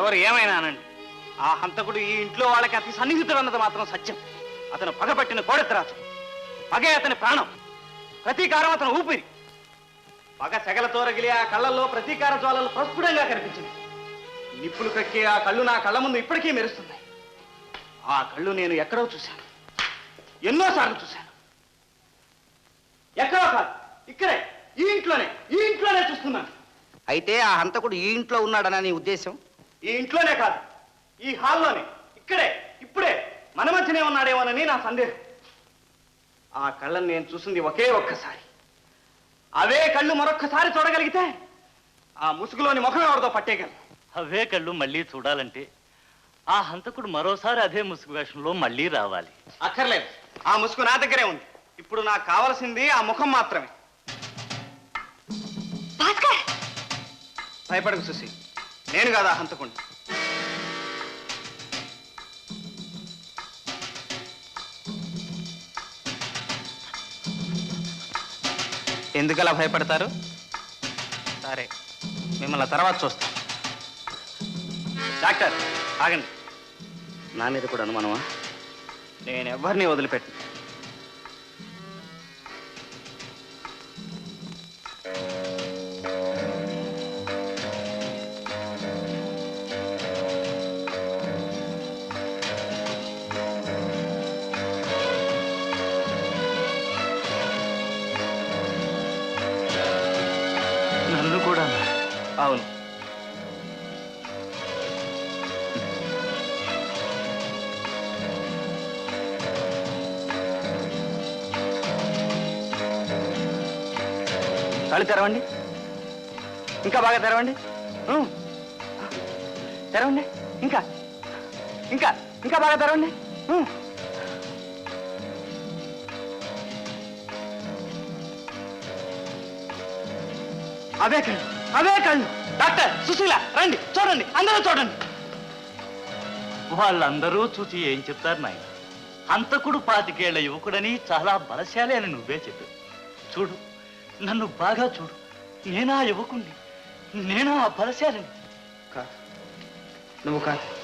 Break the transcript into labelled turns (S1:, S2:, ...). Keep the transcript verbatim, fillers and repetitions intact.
S1: ఎవరు ఏమైనానండి, ఆ హంతకుడు ఈ ఇంట్లో వాళ్ళకి అతి సన్నిహితుడు అన్నది మాత్రం సత్యం. అతను పగపట్టిన కోడెత్తరాజు, పగే అతని ప్రాణం, ప్రతీకారం అతను ఊపిరి. పగ సెగలతో రగిలి ఆ కళ్ళల్లో ప్రతీకార జ్వాలలు ప్రస్ఫుటంగా కనిపించింది. నిప్పులు కక్కి ఆ కళ్ళు నా కళ్ళ ముందు ఇప్పటికీ మెరుస్తున్నాయి. ఆ కళ్ళు నేను ఎక్కడో చూశాను, ఎన్నోసార్లు చూశాను. ఎక్కడో కాదు, ఇక్కడే, ఈ ఇంట్లోనే, ఈ ఇంట్లోనే చూస్తున్నాను.
S2: అయితే ఆ హంతకుడు ఈ ఇంట్లో ఉన్నాడనా నీ ఉద్దేశం?
S1: ఈ ఇంట్లోనే కాదు, ఈ హాల్లోనే, ఇక్కడే, ఇప్పుడే మన మధ్యనే ఉన్నాడేమోనని నా సందేహం. ఆ కళ్ళని నేను చూసింది ఒకే ఒక్కసారి. అవే కళ్ళు మరొక్కసారి చూడగలిగితే ఆ ముసుగులోని ముఖం ఎవరితో పట్టేయగలను.
S3: అవే కళ్ళు మళ్ళీ చూడాలంటే ఆ హంతకుడు మరోసారి అదే ముసుగు వేషంలో మళ్ళీ రావాలి.
S1: అక్కర్లేదు, ఆ ముసుగు నా దగ్గరే ఉంది. ఇప్పుడు నాకు కావలసింది ఆ ముఖం మాత్రమే. భయపడకు సుశీ, నేను కాదా హంతకుణ్ణి. ఎందుకలా భయపడతారు? సరే, మిమ్మల్ని తర్వాత చూస్తాను. డాక్టర్ ఆగండి.
S2: నా మీద కూడా అనుమానమా?
S1: నేను ఎవరిని వదిలిపెట్టు.
S3: నన్ను కూడా?
S1: అవును. కళ్ళు తెరవండి, ఇంకా బాగా తెరవండి, తెరవండి, ఇంకా ఇంకా ఇంకా బాగా తెరవండి. అవే కళ్ళు, అవే కళ్ళు. డాక్టర్, సుశీల, రండి, చూడండి, అందరూ చూడండి.
S3: వాళ్ళందరూ చూసి ఏం చెప్తారు నాయన? హంతకుడు పాతికేళ్ల యువకుడని, చాలా బలశాలి అని నువ్వే చెప్పావు. చూడు, నన్ను బాగా చూడు. నేనా యువకుణ్ణి, నేనా బలశాలిని?
S1: కాదు, నువ్వు కాదు.